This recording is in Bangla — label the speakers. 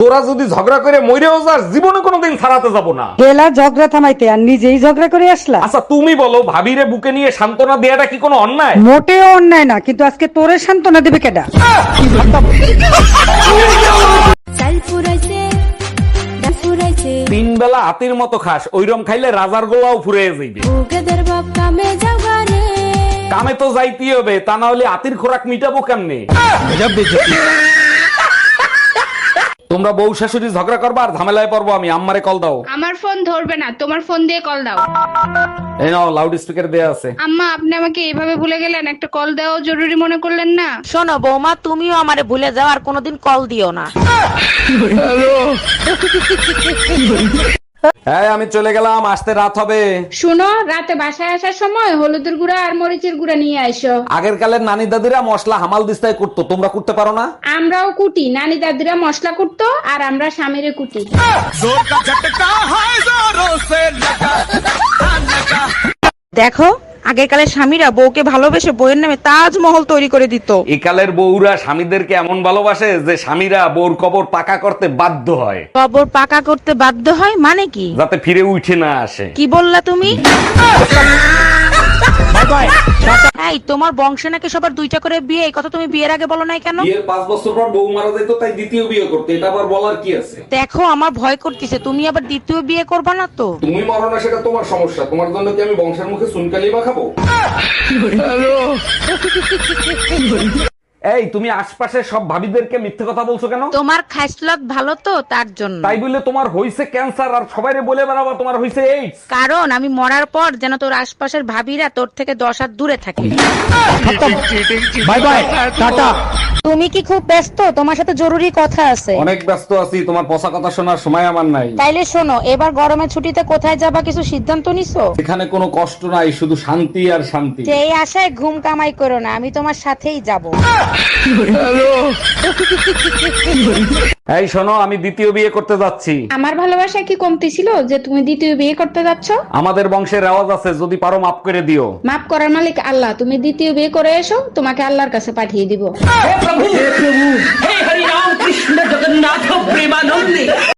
Speaker 1: তোরা যদি ঝগড়া করে মইরেও যাস, জীবনে কোনোদিন ছাড়াতে যাব না।
Speaker 2: গেলা ঝগড়া থামাইতে আর নিজেই ঝগড়া করে আসলা।
Speaker 1: আচ্ছা তুমি বলো, ভাবিরে বুকে নিয়ে সান্ত্বনা দেয়াটা কি কোনো অন্যায়?
Speaker 2: মোটেও অন্যায় না, কিন্তু আজকে তোরে সান্ত্বনা দেবে কেডা?
Speaker 1: তিন বেলা হাতির মতো খাস, ওইরম খাইলে রাজার গোলাও ফুরে যাইবে। কামে তো যাইতেই হবে, তা না হলে হাতির খোরাক মিটাবো কেমনে? তোমরা বউ শাশুড়ি ঝগড়া করবা আর ঝামেলায় পড়বো আমি। আম্মারে কল দাও।
Speaker 3: আমার ফোন ধরবে না, তোমার ফোন দিয়ে কল দাও।
Speaker 1: এই নাও, লাউড স্পিকার দেয়া আছে।
Speaker 3: আম্মা, আপনি আমাকে এইভাবে ভুলে গেলেন, একটা কল দেওয়া জরুরি মনে করলেন না?
Speaker 4: শোনো বৌমা, তুমিও আমারে ভুলে যাও আর কোনোদিন কল দিও না।
Speaker 1: হ্যাঁ আমি চলে গেলাম, আসতে রাত হবে।
Speaker 3: শুনো, রাতে বাসায় আসার সময় হলুদের গুঁড়া আর মরিচের গুঁড়া নিয়ে আইসো।
Speaker 1: আগের কালের নানি দাদিরা মশলা হামাল দিস্তায় করতো, তোমরা করতে পারো না?
Speaker 3: আমরাও কুটি, নানি দাদিরা মশলা কুটতো আর আমরা স্বামীরে কুটি।
Speaker 4: দেখো, আগেরকালের স্বামীরা বউকে ভালোবেসে বউয়ের নামে তাজমহল তৈরি করে দিত।
Speaker 1: এই কালের বউরা স্বামীদেরকে এমন ভালোবাসে যে স্বামীরা বউর কবর পাকা করতে বাধ্য হয়।
Speaker 4: কবর পাকা করতে বাধ্য হয় মানে কি?
Speaker 1: যাতে ফিরে উঠে না আসে।
Speaker 4: কি বললা তুমি? এই, তোমার বংশে নাকি সবার দুইটা করে বিয়ে, এই কথা তুমি বিয়ের আগে বলো নাই কেন?
Speaker 1: বিয়ের 5 বছর পর বউ মারা যেত, তাই দ্বিতীয় বিয়ে করতে। এটা আবার বলার কি আছে?
Speaker 4: দেখো, আমার ভয় করতেছে, তুমি আবার দ্বিতীয় বিয়ে করবা না তো?
Speaker 1: তুমি মরো না সেটা তোমার সমস্যা, তোমার জন্য কি আমি বংশের মুখে চুনকালি মাখাবো? এই তুমি আশপাশের সব ভাবিদেরকে মিথ্যে কথা বলছো কেন?
Speaker 4: তোমার খাইসলত ভালো তো, তার জন্য।
Speaker 1: তাই বলে তোমার হইছে ক্যান্সার আর সবাইরে বলে বেড়াবা তোমার হইছে এইডস?
Speaker 4: কারণ আমি মরার পর যেন তোর আশপাশের ভাবিরা তোর থেকে 10 হাত দূরে থাকে।
Speaker 1: Bye bye, tata.
Speaker 4: তুমি কি খুব ব্যস্ত? তোমার সাথে জরুরি কথা আছে।
Speaker 1: অনেক ব্যস্ত আছি, তোমার পচা কথা শোনার সময় আমার নাই।
Speaker 4: তাইলে শোনো, এবার গরমের ছুটিতে কোথায় যাবা কিছু সিদ্ধান্ত নিছো?
Speaker 1: এখানে কোনো কষ্ট নাই, শুধু শান্তি আর শান্তি।
Speaker 4: সেই আশায় ঘুম কামাই করো না, আমি তোমার সাথেই যাব।
Speaker 1: এই শোনো, আমি দ্বিতীয় বিয়ে করতে যাচ্ছি।
Speaker 3: আমার ভালোবাসা কি কমতি ছিল যে তুমি দ্বিতীয় বিয়ে করতে যাচ্ছ?
Speaker 1: আমাদের বংশের রেওয়াজ আছে, যদি পারো মাফ করে দিও।
Speaker 3: মাফ করার মালিক আল্লাহ, তুমি দ্বিতীয় বিয়ে করে এসো, তোমাকে আল্লাহর কাছে পাঠিয়ে দিব।